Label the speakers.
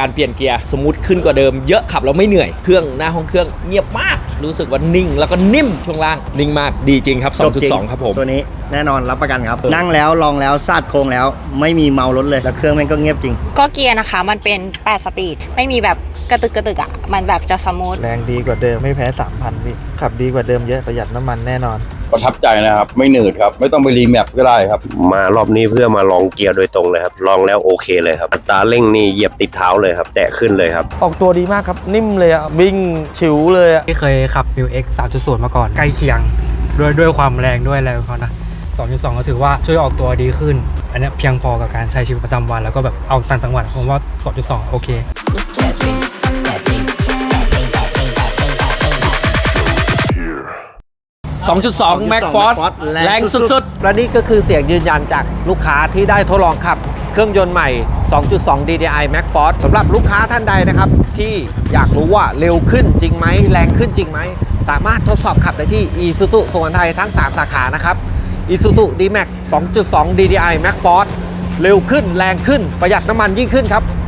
Speaker 1: การเปลี่ยนเกียร์สมูทขึ้นกว่าเดิมเยอะขับแล้วไม่เหนื่อยเครื่องหน้าห้องเครื่องเงียบมากรู้สึกว่านิ่งแล้วก็นิ่มช่วงล่างนิ่งมากดีจริงครับ 2.2 ครับผม
Speaker 2: ตัวนี้แน่นอนรับประกันครับนั่งแล้วลองแล้วซาดโค้งแล้วไม่มีเมารถเลยแล้วเครื่องมันก็เงียบจริง
Speaker 3: ก็เกียร์นะคะมันเป็น8สปีดไม่มีแบบกระตึกอ่ะมันแบบจะสมูท
Speaker 4: แรงดีกว่าเดิมไม่แพ้ 3,000 พี่ขับดีกว่าเดิมเยอะประหยัดน้ำมันแน่นอน
Speaker 5: ประทับใจนะครับไม่หนืดครับไม่ต้องไปรีแมปก็ได้ครับ
Speaker 6: มารอบนี้เพื่อมาลองเกียร์โดยตรงเลยครับลองแล้วโอเคเลยครับอัตราเร่งนี่เหยียบติดเท้าเลยครับแตะขึ้นเลยครับ
Speaker 7: ออกตัวดีมากครับนิ่มเลยอะวิ่งฉิวเลยอะ
Speaker 8: ที่เคยขับ Mil X 3.0 มาก่อนใกล้เคียงด้วยความแรงด้วยอะไรของเขานะ 2.2 ก็ถือว่าช่วยออกตัวดีขึ้นอันนี้เพียงพอกับการใช้ชีวิตประจำวันแล้วก็แบบเอาต่างจังหวัดผมว่า 2.2 โอเค
Speaker 1: 2.2 Max Force แรงสุด
Speaker 7: ๆและนี่ก็คือเสียงยืนยันจากลูกค้าที่ได้ทดลองขับเครื่องยนต์ใหม่ 2.2 DDI Max Force สำหรับลูกค้าท่านใดนะครับที่อยากรู้ว่าเร็วขึ้นจริงไหมแรงขึ้นจริงไหมสามารถทดสอบขับได้ที่ Isuzu สุวรรณไทยทั้ง 3 สาขานะครับ Isuzu D-Max 2.2 DDI Max Force เร็วขึ้นแรงขึ้นประหยัดน้ำมันยิ่งขึ้นครับ